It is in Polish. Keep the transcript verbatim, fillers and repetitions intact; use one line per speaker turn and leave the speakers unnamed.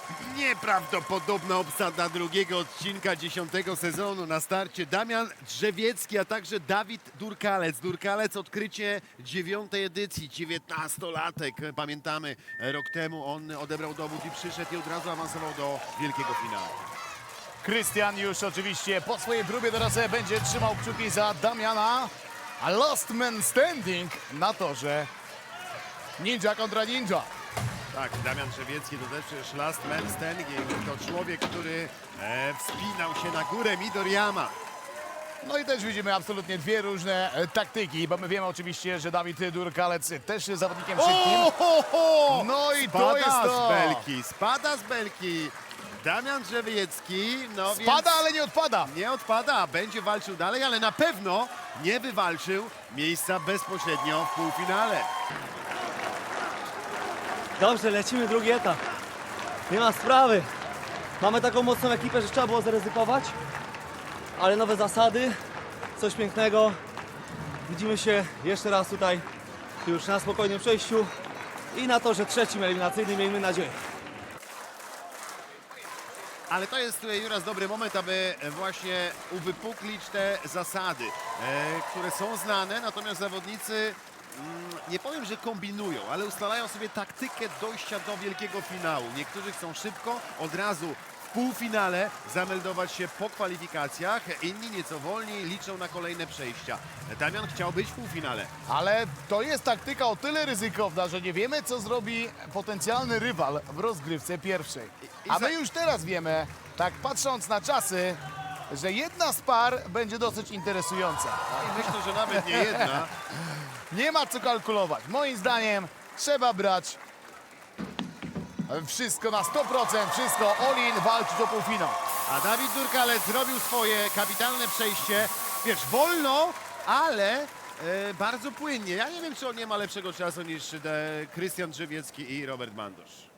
Nieprawdopodobna obsada drugiego odcinka dziesiątego sezonu. Na starcie Damian Drzewiecki, a także Dawid Durkalec. Durkalec odkrycie dziewiątej edycji, dziewiętnastolatek. Pamiętamy, rok temu on odebrał dowód i przyszedł i od razu awansował do wielkiego finału.
Krystian już oczywiście po swojej próbie teraz będzie trzymał kciuki za Damiana. A last man standing na torze. Ninja kontra ninja.
Tak, Damian Drzewiecki to też przecież last man standing. To człowiek, który e, wspinał się na górę Midoriyama.
No i też widzimy absolutnie dwie różne e, taktyki, bo my wiemy oczywiście, że Dawid Durkalec też jest zawodnikiem szybkim.
O, ho, ho!
No i to
Spada
jest to.
z belki, spada z belki. Damian Drzewiecki, no
Spada,
więc
ale nie odpada.
nie odpada, będzie walczył dalej, ale na pewno nie wywalczył miejsca bezpośrednio w półfinale.
Dobrze, lecimy drugi etap. Nie ma sprawy. Mamy taką mocną ekipę, że trzeba było zaryzykować. Ale nowe zasady, coś pięknego. Widzimy się jeszcze raz tutaj już na spokojnym przejściu i na to, że trzecim eliminacyjnym, miejmy nadzieję.
Ale to jest e, Juras dobry moment, aby e, właśnie uwypuklić te zasady, e, które są znane, natomiast zawodnicy, mm, nie powiem, że kombinują, ale ustalają sobie taktykę dojścia do wielkiego finału. Niektórzy chcą szybko, od razu w półfinale zameldować się po kwalifikacjach, inni nieco wolniej liczą na kolejne przejścia. Damian chciał być w półfinale.
Ale to jest taktyka o tyle ryzykowna, że nie wiemy, co zrobi potencjalny rywal w rozgrywce pierwszej.
I- i
A
za-
my już teraz wiemy, tak patrząc na czasy, że jedna z par będzie dosyć interesująca.
I myślę, że nawet nie jedna.
Nie ma co kalkulować. Moim zdaniem trzeba brać wszystko na sto procent, wszystko all-in, walczyć o półfinał.
A Dawid Durkalec zrobił swoje kapitalne przejście. Wiesz, wolno, ale e, bardzo płynnie. Ja nie wiem, czy on nie ma lepszego czasu niż e, Krystian Drzewiecki i Robert Mandosz.